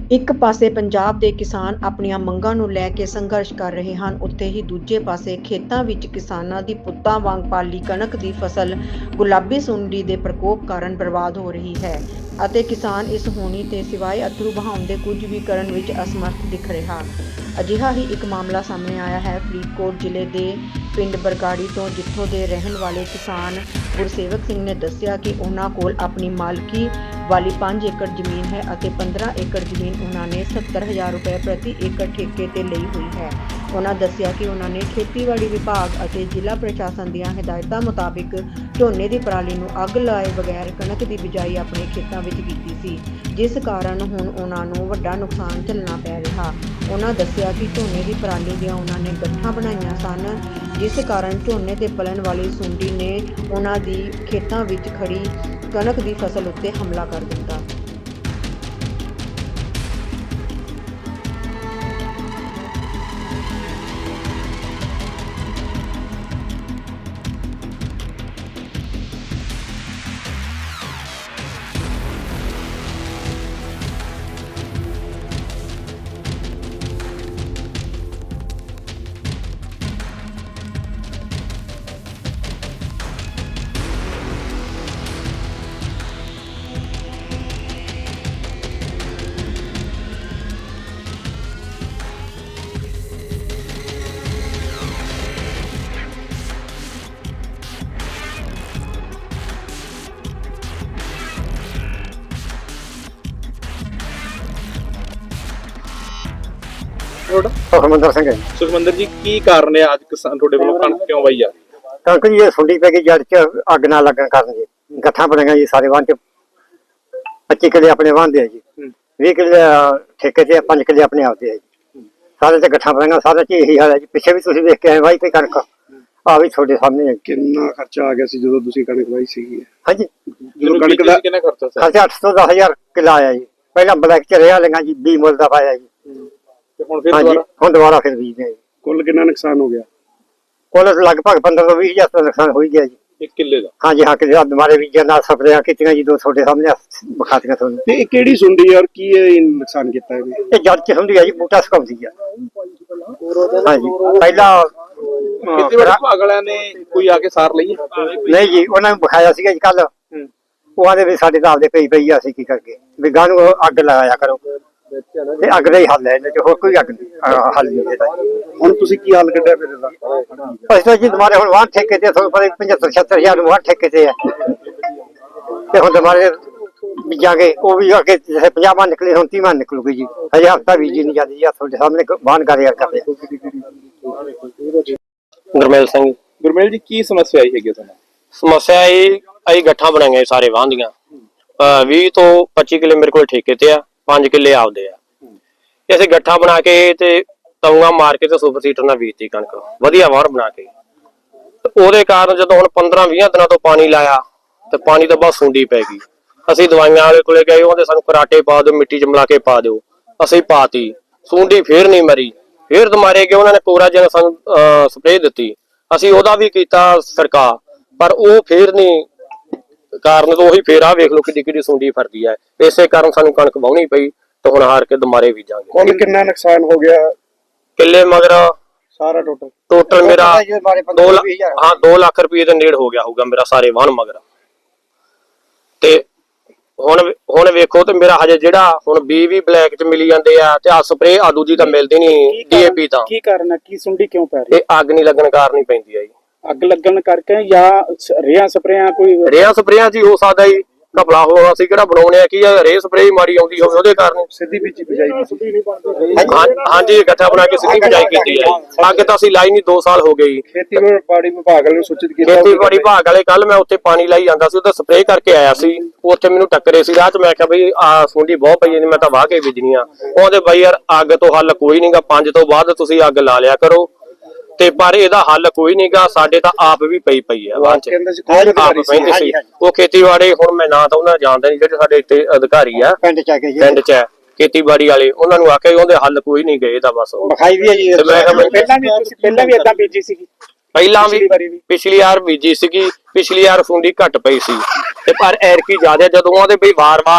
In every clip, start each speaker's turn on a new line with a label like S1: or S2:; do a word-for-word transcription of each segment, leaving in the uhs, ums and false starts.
S1: ਇੱਕ ਪਾਸੇ ਪੰਜਾਬ ਦੇ ਕਿਸਾਨ ਆਪਣੀਆਂ ਮੰਗਾਂ ਨੂੰ ਲੈ ਕੇ ਸੰਘਰਸ਼ ਕਰ ਰਹੇ ਹਨ, ਉੱਥੇ ਹੀ ਦੂਜੇ ਪਾਸੇ ਖੇਤਾਂ ਵਿੱਚ ਕਿਸਾਨਾਂ ਦੀ ਪੁੱਤਾਂ ਵਾਂਗ ਪਾਲੀ ਕਣਕ ਦੀ ਫਸਲ ਗੁਲਾਬੀ ਸੁੰਡੀ ਦੇ ਪ੍ਰਕੋਪ ਕਾਰਨ ਬਰਬਾਦ ਹੋ ਰਹੀ ਹੈ ਅਤੇ ਕਿਸਾਨ ਇਸ ਹੋਣੀ ਤੇ ਸਿਵਾਏ ਅਥਰੂ ਬਹਾਉਣ ਦੇ ਕੁਝ ਵੀ ਕਰਨ ਵਿੱਚ ਅਸਮਰਥ ਦਿਖ ਰਿਹਾ। ਅਜਿਹਾ ਹੀ ਇੱਕ ਮਾਮਲਾ ਸਾਹਮਣੇ ਆਇਆ ਹੈ ਫਰੀਦਕੋਟ ਜ਼ਿਲ੍ਹੇ ਦੇ ਪਿੰਡ ਬਰਗਾੜੀ ਤੋਂ, ਜਿੱਥੋਂ ਦੇ ਰਹਿਣ ਵਾਲੇ ਕਿਸਾਨ ਗੁਰਸੇਵਕ ਸਿੰਘ ਨੇ ਦੱਸਿਆ ਕਿ ਉਹਨਾਂ ਕੋਲ ਆਪਣੀ ਮਾਲਕੀ ਵਾਲੀ ਪੰਜ ਏਕੜ ਜ਼ਮੀਨ ਹੈ ਅਤੇ ਪੰਦਰਾਂ ਏਕੜ ਜ਼ਮੀਨ ਉਹਨਾਂ ਨੇ ਸੱਤਰ ਹਜ਼ਾਰ ਰੁਪਏ ਪ੍ਰਤੀ ਏਕੜ ਠੇਕੇ ਤੇ ਲਈ ਹੋਈ ਹੈ। ਉਹਨਾਂ ਦੱਸਿਆ ਕਿ ਉਹਨਾਂ ਨੇ ਖੇਤੀਬਾੜੀ ਵਿਭਾਗ ਅਤੇ ਜ਼ਿਲ੍ਹਾ ਪ੍ਰਸ਼ਾਸਨ ਦੀਆਂ ਹਦਾਇਤਾਂ ਮੁਤਾਬਿਕ ਝੋਨੇ ਦੀ ਪਰਾਲੀ ਨੂੰ ਅੱਗ ਲਾਏ ਬਗੈਰ ਕਣਕ ਦੀ ਬਿਜਾਈ ਆਪਣੇ ਖੇਤਾਂ ਵਿੱਚ ਕੀਤੀ ਸੀ, ਜਿਸ ਕਾਰਨ ਹੁਣ ਉਹਨਾਂ ਨੂੰ ਵੱਡਾ ਨੁਕਸਾਨ ਝੱਲਣਾ ਪੈ ਰਿਹਾ। ਉਹਨਾਂ ਦੱਸਿਆ ਕਿ ਝੋਨੇ ਦੀ ਪਰਾਲੀ ਦੀਆਂ ਉਹਨਾਂ ਨੇ ਗੱਠਾਂ ਬਣਾਈਆਂ ਸਨ, ਜਿਸ ਕਾਰਨ ਝੋਨੇ ਤੇ ਪਲਣ ਵਾਲੀ ਸੁੰਡੀ ਨੇ ਉਹਨਾਂ ਦੀ ਖੇਤਾਂ ਵਿੱਚ ਖੜੀ ਕਣਕ ਦੀ ਫਸਲ ਉੱਤੇ ਹਮਲਾ ਕਰ ਦਿੱਤਾ।
S2: ਸੁਖਮੰਦਰ ਸਿੰਘ ਹੈ ਜੀ।
S3: ਸੁਖਮੰਦਰ ਜੀ, ਕੀ ਕਾਰਨ ਹੈ ਅੱਜ ਕਿਸਾਨ ਤੁਹਾਡੇ ਵੱਲੋਂ ਕਣਕ ਕਿਉਂ ਵਾਈ ਜਾ ਰਹੀ ਹੈ?
S2: ਕਣਕ ਜੀ ਇਹ ਸੁੰਡੀ ਪੈ ਗਈ ਜੜ ਚ ਅੱਗ ਨਾ ਲੱਗਣ ਕਾਰਨ ਜੀ ਗੱਠਾਂ ਬਣੀਆਂ ਜੀ ਸਾਰੇ ਵਾਹਨ ਚ ਪੱਚੀ ਕਿੱਲੇ ਆਪਣੇ ਵਾਹਨਦੇ ਆ ਜੀ, ਵੀਹ ਕਿੱਲੇ ਠੇਕੇ ਤੇ, ਪੰਜ ਕਿੱਲੇ ਆਪਣੇ ਆਪਦੇ ਆ ਜੀ। ਸਾਰੇ ਤੇ ਗੱਠਾਂ ਬਣੀਆਂ, ਸਾਰੇ ਚ ਇਹੀ ਹਾਲ ਹੈ ਜੀ। ਪਿੱਛੇ ਵੀ ਤੁਸੀਂ ਵੇਖ ਕੇ ਆਏ ਵਾਈ ਤੇ ਕਣਕ ਆ ਵੀ ਤੁਹਾਡੇ ਸਾਹਮਣੇ ਹੈ।
S4: ਕਿੰਨਾ ਖਰਚਾ ਆ ਗਿਆ ਸੀ ਜਦੋਂ ਤੁਸੀਂ ਕਣਕ ਵਾਈ ਸੀਗੀ?
S2: ਹਾਂਜੀ,
S3: ਜਦੋਂ ਕਣਕ ਦਾ ਕਿੰਨਾ ਖਰਚਾ ਸੀ?
S2: ਖਰਚਾ ਅੱਠ ਤੋਂ ਦਸ ਹਜ਼ਾਰ ਕਿੱਲਾ ਆਇਆ ਜੀ। ਪਹਿਲਾਂ ਬਲੈਕ ਚ ਰਿਹਾ ਲਈਆਂ ਜੀ, ਵੀਹ ਮੁੱਲ ਦਾ ਪਾਇਆ ਜੀ।
S3: ਤੇ ਹੁਣ ਫਿਰ
S2: ਹਾਂਜੀ,
S3: ਦੁਬਾਰਾ
S2: ਹੁਣ ਦੁਬਾਰਾ ਫਿਰ ਬੀਜਦੇ ਆ ਜੀ।
S4: ਕੁੱਲ ਕਿੰਨਾ ਨੁਕਸਾਨ ਹੋ ਗਿਆ?
S2: ਕੁੱਲ ਲਗਭਗ ਪੰਦਰਾਂ ਤੋਂ ਵੀਹ ਹਜ਼ਾਰ ਦਾ ਨੁਕਸਾਨ ਹੋ ਹੀ ਗਿਆ ਜੀ।
S3: ਇੱਕ ਕਿੱਲੇ ਦਾ?
S2: ਹਾਂਜੀ ਹਾਂ, ਕਿ ਦੁਬਾਰੇ ਬੀਜਾਂ ਨਾਲ ਸਪਰੇਆਂ ਕੀਤੀਆਂ ਜੀ, ਦੋ ਤੁਹਾਡੇ ਸਾਹਮਣੇ ਵਿਖਾਤੀਆਂ ਤੁਹਾਨੂੰ।
S4: ਤੇ ਇਹ ਕਿਹੜੀ ਸੁੰਡੀ ਔਰ ਕੀ ਇਹ ਨੁਕਸਾਨ ਕੀਤਾ ਇਹਨੇ?
S2: ਇਹ ਜੜ ਚ ਹੁੰਦੀ ਹੈ ਜੀ, ਬੂਟਾ ਸੁਕਾਉਂਦੀ ਆ। ਹਾਂਜੀ, ਪਹਿਲਾਂ
S3: ਖੇਤੀਬਾੜੀ ਵਿਭਾਗ ਵਾਲਿਆਂ ਨੇ ਕੋਈ ਆ ਕੇ ਸਾਰ ਲਈ ਹੈ?
S2: ਨਹੀਂ ਜੀ, ਉਹਨਾਂ ਨੂੰ ਵਿਖਾਇਆ ਸੀਗਾ ਜੀ ਕੱਲ। ਉਹ ਆਂਦੇ ਵੀ ਸਾਡੇ ਤਾਂ ਆਪਦੇ ਪਈ ਪਈ ਆ, ਅਸੀਂ ਕੀ ਕਰਕੇ ਵੀ ਗਾਂ ਨੂੰ ਅੱਗ ਲਗਾਇਆ ਕਰੋ, ਤੇ ਅੱਗ ਦਾ ਹੀ ਹੱਲ ਹੈ ਇਹਦੇ ਚ, ਹੋਰ ਕੋਈ ਅੱਗ ਹੱਲ ਨਹੀਂ ਇਹਦਾ।
S4: ਹੁਣ ਤੁਸੀਂ ਕੀ ਹੱਲ ਕੱਢਿਆ ਫਿਰ ਇਹਦਾ?
S2: ਅਸੀਂ ਤਾਂ ਜੀ ਦੁਬਾਰੇ ਹੁਣ ਵਾਹਨ ਠੇਕੇ ਤੇ, ਤੁਹਾਨੂੰ ਪਤਾ ਪਚੱਤਰ ਛੱਤਰ ਹਜ਼ਾਰ ਨੂੰ ਵਾਹਨ ਠੇਕੇ ਤੇ ਆ, ਤੇ ਹੁਣ ਦੁਬਾਰੇ ਬੀਜਾਂਗੇ। ਉਹ ਵੀ ਅੱਗੇ ਜਿਵੇਂ ਪੰਜਾਹ ਮਨ ਨਿਕਲੇ, ਹੁਣ ਤੀਹ ਮਨ ਨਿਕਲੂਗੀ ਜੀ। ਹਜੇ ਹਫ਼ਤਾ ਬੀਜੀ ਨਹੀਂ ਜਾਂਦੀ ਜੀ। ਤੁਹਾਡੇ ਸਾਹਮਣੇ ਵਾਹਨ ਕਾਰੋਬਾਰ ਕਰਦੇ ਆ।
S5: ਗੁਰਮੇਲ ਸਿੰਘ।
S3: ਗੁਰਮੇਲ ਜੀ, ਕੀ ਸਮੱਸਿਆ ਆਈ ਹੈਗੀ ਤੁਹਾਨੂੰ?
S5: ਸਮੱਸਿਆ ਇਹ ਅਸੀਂ ਗੱਠਾਂ ਬਣਾਈਆਂ ਸਾਰੇ ਵਾਹਨ ਦੀਆਂ, ਵੀਹ ਤੋਂ ਪੱਚੀ ਕਿੱਲੇ ਮੇਰੇ ਕੋਲ ਠੇਕੇ ਤੇ ਆ, ਪੰਜ ਕਿੱਲੇ ਆਪਦੇ ਆ। ਅਸੀਂ ਗੱਠਾਂ ਬਣਾ ਕੇ ਤੇ ਤਊਆਂ ਮਾਰ ਕੇ ਤੇ ਸੁਪਰ ਸੀਟਰ ਨਾਲ ਬੀਜਤੀ ਕਣਕ, ਵਧੀਆ ਵਾਹਣ ਬਣਾ ਕੇ। ਉਹਦੇ ਕਾਰਨ ਜਦੋਂ ਹੁਣ ਪੰਦਰਾਂ ਵੀਹ ਦਿਨਾਂ ਤੋਂ ਪਾਣੀ ਲਾਇਆ ਤੇ ਪਾਣੀ ਤੋਂ ਬਾਅਦ ਸੁੰਡੀ ਪੈ ਗਈ। ਅਸੀਂ ਦਵਾਈਆਂ ਵਾਲੇ ਕੋਲੇ ਗਏ, ਉਹਦੇ ਸਾਨੂੰ ਕਰਾਟੇ ਪਾ ਦਿਓ, ਮਿੱਟੀ ਚ ਮਿਲਾ ਕੇ ਪਾ ਦਿਓ। ਅਸੀਂ ਪਾਤੀ, ਸੁੰਡੀ ਫੇਰ ਨਹੀਂ ਮਰੀ। ਫੇਰ ਦੁਬਾਰੇ ਗਏ, ਉਹਨਾਂ ਨੇ ਕੋਰਾਜਨ ਸਾਨੂੰ ਸਪਰੇਅ ਦਿੱਤੀ, ਅਸੀਂ ਉਹਦਾ ਵੀ ਕੀਤਾ ਸਰਕਾਰ, ਪਰ ਉਹ ਫੇਰ ਨਹੀਂ ਕਾਰਨ ਤੋਂ ਉਹੀ ਫੇਰ ਆ ਵੇਖ ਲਓ ਕਿੱਡੀ ਕਿੱਡੀ ਸੁੰਡੀ ਫਰਦੀ ਹੈ। ਇਸੇ ਕਾਰਨ ਸਾਨੂੰ ਕਣਕ ਵਾਹੁਣੀ ਪਈ ਤੇ ਹੁਣ ਹਾਰ ਕੇ ਦੁਬਾਰੇ ਬੀਜਾਂਗੇ।
S4: ਕੁੱਲ ਕਿੰਨਾ ਨੁਕਸਾਨ ਹੋ ਗਿਆ
S5: ਕਿੱਲੇ ਮਗਰ
S4: ਸਾਰਾ ਟੋਟਲ?
S5: ਟੋਟਲ ਮੇਰਾ ਦੋ ਲੱਖ ਹਾਂ ਦੋ ਲੱਖ ਰੁਪਏ ਦੇ ਨੇੜ ਹੋ ਗਿਆ ਹੋਊਗਾ ਮੇਰਾ ਸਾਰੇ ਵਾਹਣ ਮਗਰ। ਤੇ ਹੁਣ ਹੁਣ ਵੇਖੋ ਤੇ ਮੇਰਾ ਹਜੇ ਜਿਹੜਾ ਹੁਣ ਬੀ ਵੀ ਬਲੈਕ ਚ ਮਿਲੀ ਜਾਂਦੇ ਆ, ਤੇ ਆ ਸਪਰੇ ਆ ਦੂਜੀ ਤਾਂ ਮਿਲਦੀ ਨਹੀਂ, ਡੀਏਪੀ ਤਾਂ।
S4: ਕੀ ਕਾਰਨ ਹੈ, ਕੀ ਸੁੰਡੀ ਕਿਉਂ ਪੈ ਰਹੀ?
S5: ਇਹ ਅੱਗ ਨਹੀਂ ਲੱਗਣ ਕਾਰਨ ਹੀ ਪੈਂਦੀ ਆ ਜੀ।
S4: ਅੱਗ ਲੱਗਣ ਕਰਕੇ ਜਾਂ ਰੇਹਾਂ ਸਪਰੇਆਂ? ਕੋਈ
S5: ਰੇਹਾਂ ਸਪਰੇਆਂ ਜੀ ਹੋ ਸਕਦਾ ਜੀ, ਘਪਲਾ ਹੋਣਾ। ਅਸੀਂ ਕਿਹੜਾ ਬਣਾਉਣੇ ਆ ਕੀ ਆ, ਰੇ ਸਪਰੇ ਮਾੜੀ ਆਉਂਦੀ ਹੋਵੇ ਉਹਦੇ ਕਾਰਨ।
S4: ਸਿੱਧੀ ਬੀਜੀ ਬਿਜਾਈ?
S5: ਹਾਂਜੀ, ਗੱਠਾ ਬਣਾ ਕੇ ਸਿੱਧੀ ਬਿਜਾਈ ਕੀਤੀ ਹੈ। ਅੱਗੇ ਤਾਂ ਅਸੀਂ ਲਾਈ ਨਹੀਂ, ਦੋ ਸਾਲ ਹੋ ਗਏ।
S4: ਖੇਤੀਬਾੜੀ ਵਿਭਾਗ ਵਾਲੇ ਨੂੰ ਸੂਚਿਤ ਕੀਤਾ?
S5: ਖੇਤੀਬਾੜੀ ਵਿਭਾਗ ਵਾਲੇ ਕੱਲ ਮੈਂ ਉੱਥੇ ਪਾਣੀ ਲਾਈ ਜਾਂਦਾ ਸੀ, ਉਹਦਾ ਸਪਰੇਅ ਕਰਕੇ ਆਇਆ ਸੀ। ਉੱਥੇ ਮੈਨੂੰ ਟੱਕਰੇ ਸੀ ਰਾਹ ਚ, ਮੈਂ ਕਿਹਾ ਬਈ ਆ ਸੁੰਡੀ ਬਹੁਤ ਪਈ, ਮੈਂ ਤਾਂ ਵਾਹ ਕੇ ਬੀਜਣੀ ਆ। ਉਹਦੇ ਬਈ ਯਾਰ ਅੱਗ ਤੋਂ ਹੱਲ ਕੋਈ ਨਹੀਂਗਾ, ਪੰਜ ਤੋਂ ਬਾਅਦ ਤੁਸੀਂ ਅੱਗ ਲਾ ਲਿਆ ਕਰੋ, ਤੇ ਪਰ ਇਹਦਾ ਹੱਲ ਕੋਈ ਨਹੀਂਗਾ। ਸਾਡੇ ਤਾਂ ਆਪ ਵੀ ਪਈ ਪਈ ਆ ਵਾਂ ਚ, ਆਪ ਪੈਂਦੇ ਸੀ ਉਹ ਖੇਤੀਬਾੜੀ। ਹੁਣ ਮੈਂ ਨਾ ਤਾਂ ਉਹਨਾਂ ਜਾਣਦਾ ਨਹੀਂ, ਜਿਹੜੇ ਸਾਡੇ ਇੱਥੇ ਅਧਿਕਾਰੀ ਆ
S2: ਪਿੰਡ ਚ ਆ ਕੇ ਜੀ,
S5: ਪਿੰਡ ਚ ਖੇਤੀਬਾੜੀ ਵਾਲੇ, ਉਹਨਾਂ ਨੂੰ ਆਖਿਆ ਉਹਦੇ ਹੱਲ ਕੋਈ ਨਹੀਂ ਗਏ ਤਾਂ ਬਸ
S2: ਵਿਖਾਈ ਵੀ ਹੈ ਜੀ।
S4: ਪਹਿਲਾਂ ਵੀ ਤੁਸੀਂ ਪਹਿਲਾਂ ਵੀ ਏਦਾਂ ਬੀਜੀ ਸੀ?
S5: ਪਹਿਲਾਂ ਵੀ ਪਿਛਲੀ ਵਾਰ ਬੀਜੀ ਸੀਗੀ, ਪਿਛਲੀ ਵਾਰ ਸੁੰਡੀ ਘੱਟ ਪਈ ਸੀ, ਤੇ ਪਰ ਐਰਕੀ ਜ਼ਿਆਦਾ ਜਦੋਂ ਉਹਦੇ ਬਈ ਵਾਰ-ਵਾਰ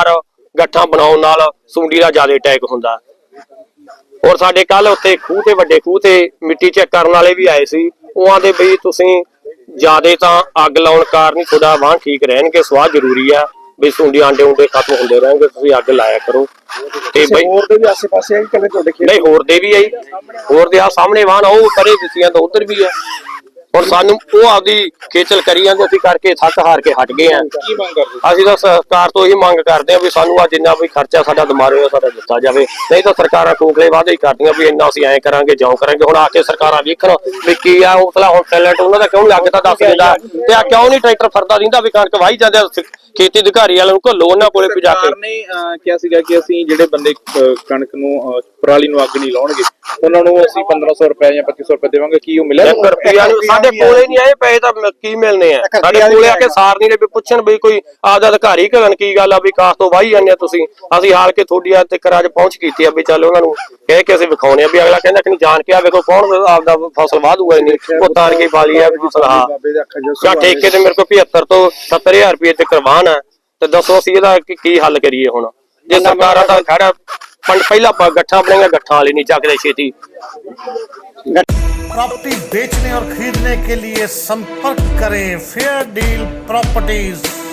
S5: ਗੱਠਾਂ ਬਣਾਉਣ ਨਾਲ ਸੁੰਡੀ ਦਾ ਜ਼ਿਆਦਾ ਅਟੈਕ ਹੁੰਦਾ। ਔਰ ਸਾਡੇ ਕੱਲ ਉੱਥੇ ਖੂਹ ਤੇ ਵੱਡੇ ਖੂਹ ਤੇ ਮਿੱਟੀ ਚੈੱਕ ਕਰਨ ਵਾਲੇ ਵੀ ਆਏ ਸੀ। ਉਹਾਂ ਦੇ ਬਈ ਤੁਸੀਂ ਜਿਆਦੇ ਤਾਂ ਅੱਗ ਲਾਉਣ ਕਾਰਨ ਹੀ ਤੁਹਾਡਾ ਵਾਹਣ ਠੀਕ ਰਹਿਣਗੇ, ਸਵਾਹ ਜ਼ਰੂਰੀ ਆ ਵੀ ਸੁੰਡੀ ਆਂਡੇ ਉਂਡੇ ਖਤਮ ਹੁੰਦੇ ਰਹਿਣਗੇ, ਤੁਸੀਂ ਅੱਗ ਲਾਇਆ ਕਰੋ। ਤੇ ਬਈ
S4: ਹੋਰ ਦੇ ਵੀ ਆਸੇ ਪਾਸੇ ਆ ਕਿ ਤੁਹਾਡੇ ਖੇਤ?
S5: ਨਹੀਂ, ਹੋਰ ਦੇ ਵੀ ਆਈ, ਹੋਰ ਦੇ ਆ ਸਾਹਮਣੇ ਵਾਹਣ ਉਹ ਪਰੇ ਦਿੱਤੀਆਂ ਤਾਂ ਉਧਰ ਵੀ ਆ। ਹੁਣ ਸਾਨੂੰ ਉਹ ਆਪਦੀ ਖੇਚਲ ਕਰੀ ਜਾਂਦੇ, ਅਸੀਂ ਕਰਕੇ ਥੱਕ ਹਾਰ ਕੇ ਹਟ ਗਏ ਆ।
S3: ਕੀ ਮੰਗ ਕਰਦੇ?
S5: ਅਸੀਂ ਤਾਂ ਸਰਕਾਰ ਤੋਂ ਇਹੀ ਮੰਗ ਕਰਦੇ ਆ ਵੀ ਸਾਨੂੰ ਆ ਜਿੰਨਾ ਵੀ ਖਰਚਾ ਸਾਡਾ ਦਿਮਾਗ ਹੋਇਆ ਸਾਡਾ ਦਿੱਤਾ ਜਾਵੇ, ਨਹੀਂ ਤਾਂ ਸਰਕਾਰਾਂ ਕੋਕਲੇ ਵਾਅਦੇ ਹੀ ਕਰਦੀਆਂ ਵੀ ਇੰਨਾ ਅਸੀਂ ਐਂ ਕਰਾਂਗੇ ਜਿਉਂ ਕਰਾਂਗੇ। ਹੁਣ ਆ ਕੇ ਸਰਕਾਰਾਂ ਵੇਖਣ ਵੀ ਕੀ ਆ ਉਹ ਉਹ ਟੈਲੈਂਟ ਉਹਨਾਂ ਦਾ ਕਿਉਂ ਨਹੀਂ, ਅੱਗ ਤਾਂ ਦੱਸ ਦਿੰਦਾ ਤੇ ਆ ਕਿਉਂ ਨਹੀਂ ਟਰੈਕਟਰ ਫਰਦਾ ਦਿੰਦਾ ਵੀ ਕਣਕ ਵਾਹੀ ਜਾਂਦੇ। ਖੇਤੀ ਅਧਿਕਾਰੀ ਵਾਲਿਆਂ ਨੂੰ ਘੱਲੋ, ਉਹਨਾਂ ਕੋਲੇ ਵੀ ਜਾ ਕੇ।
S3: ਸਰਕਾਰ ਨੇ ਅਹ, ਕਿਹਾ ਸੀਗਾ ਕਿ ਅਸੀਂ ਜਿਹੜੇ ਬੰਦੇ ਅਹ, ਕਣਕ ਨੂੰ ਅਹ, ਪਰਾਲੀ ਨੂੰ ਅੱਗ ਨਹੀਂ ਲਾਉਣਗੇ ਉਹਨਾਂ ਨੂੰ ਅਸੀਂ ਪੰਦਰਾਂ ਸੌ ਰੁਪਏ ਜਾਂ ਪੱਚੀ ਸੌ ਰੁਪਏ ਦੇਵਾਂਗੇ। ਕੀ ਉਹ ਮਿਲਿਆ?
S5: ਰੁਪਈਆ ਸਾਡੇ ਕੋਲੇ ਨਹੀਂ ਆਏ ਪੈਸੇ ਤਾਂ ਕੀ ਮਿਲਨੇ ਆ, ਸਾਡੇ ਕੋਲੇ ਆ ਕੇ ਸਾਰ ਨਹੀਂ ਵੀ ਪੁੱਛਣ ਵੀ ਕੋਈ ਆਪਦਾ ਅਧਿਕਾਰੀ ਕਰਨ ਕੀ ਗੱਲ ਆ ਵੀ ਕਾਸ ਤੋਂ ਵਾਹੀ ਜਾਂਦੇ ਆ ਤੁਸੀਂ। ਅਸੀਂ ਹਾਲ ਕੇ ਤੁਹਾਡੀ ਅੱਜ ਤੱਕ ਅੱਜ ਪਹੁੰਚ ਕੀਤੀ ਆ ਵੀ ਚੱਲ ਉਹਨਾਂ ਨੂੰ ਕਹਿ ਕੇ ਅਸੀਂ ਵਿਖਾਉਣੇ ਆ ਵੀ ਅਗਲਾ ਕਹਿੰਦਾ ਕਿ ਨਹੀਂ ਜਾਣ ਕੇ ਆ ਵੇਖੋ ਕੌਣ ਆਪਦਾ ਫਸਲ ਵਾਹ ਦੂਗਾ। ਨਹੀਂ ਉਹ ਤਾਰ ਕੇ ਪਾਲੀ ਆ ਵੀ ਸਲਾਹ ਜਾਂ ਠੇਕੇ ਤੇ ਮੇਰੇ ਕੋਲ ਪਝੱਤਰ ਤੋਂ ਸੱਤਰ ਹਜ਼ਾਰ ਰੁਪਏ ਤੇ ਕਰਵਾਨ ਆ, ਤੇ ਦੱਸੋ ਅਸੀਂ ਇਹਦਾ ਕੀ ਹੱਲ ਕਰੀਏ। ਹੁਣ ਜੇ ਸਰਕਾਰਾਂ ਦਾ ਖੜਾ ਪਹਿਲਾਂ ਗੱਠਾਂ ਬਣਾਈਆਂ, ਗੱਠਾਂ ਵਾਲੀ ਨਹੀਂ ਚੱਕਦੇ ਛੇਤੀ।
S6: प्रॉपर्टी बेचने और खरीदने के लिए संपर्क करें फेयर डील प्रॉपर्टीज।